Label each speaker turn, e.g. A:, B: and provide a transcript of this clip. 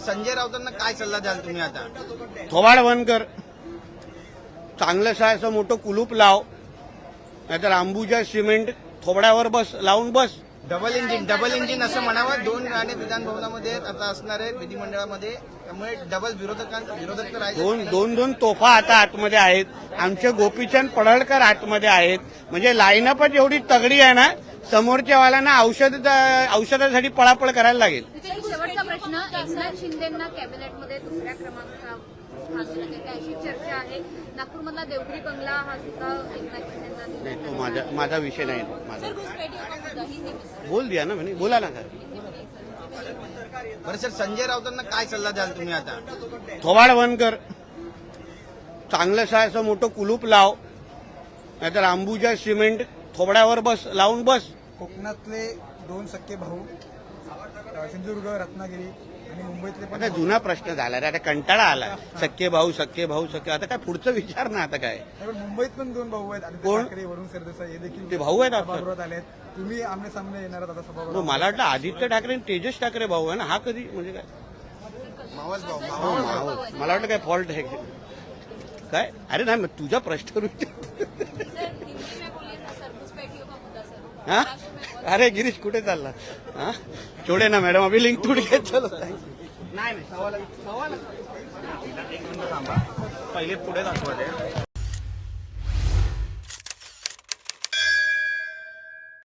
A: संजय राऊतांना काय सल्ला द्याल तुम्ही आता?
B: थोबाड बंद कर, चांगलं असं मोठं कुलूप लाव, नाहीतर अंबुजा सिमेंट थोबड्यावर बस लावून बस.
A: डबल इंजिन असं म्हणावं. 2 गाणे विधान भवनामध्ये आता असणार आहेत विधिमंडळामध्ये, त्यामुळे डबल विरोधक तर आहेत.
B: दोन तोफा आता आतमध्ये आहेत. आमचे गोपीचंद पडळकर आतमध्ये आहेत. म्हणजे लाईनअपच एवढी तगडी आहे ना, समोरच्या वाल्यांना औषधासाठी पळापळ करायला लागेल.
C: शेवटचा प्रश्न, एकनाथ शिंदेंना कॅबिनेटमध्ये दुसऱ्या क्रमांकावर अशी चर्चा आहे. नागपूरमधला देवगिरी बंगला हा सुद्धा एकनाथ शिंदेंना
B: नाही, तो माझा विषय नाही. माझा बोल दिया ना म्हणे, बोला ना सर.
A: बरं सर, संजय राऊतांना काय सल्ला द्याल तुम्ही आता?
B: थोबाड बंद कर, चांगलं असं मोठं कुलूप लाव, नाहीतर अंबुजा सिमेंट थोबड्यावर बस लावून बस.
D: कोकणातले 2 सख्खे भाऊ, सिंधुदुर्ग, रत्नागिरी आणि मुंबईतले पण
B: आता जुना प्रश्न झाला रे, आता कंटाळा आला. सख्खे भाऊ आता काय पुढचं विचार ना. आता काय
D: पण मुंबईत पण 2 भाऊ आहेत, आदित्य
B: कोण?
D: ठाकरे, वरुण सरदेसाई, हे देखील
B: ते भाऊ आहेत आपण.
D: सभागृहात आलेत. तुम्ही आमने सामने येणार आहात आता सभागृहात.
B: मला वाटलं आदित्य ठाकरे आणि तेजस ठाकरे भाऊ आहे ना. हा कधी म्हणजे काय?
A: मावस भाऊ.
B: मला वाटलं काय फॉल्ट आहे काय? अरे नाही, मग तुझा प्रश्न हा? अरे गिरीश कुठे चालला? हा, छोडे ना मॅडम, अभी लिंक तुट घेत चलो. नाही, पहिले पुढे दाखवा.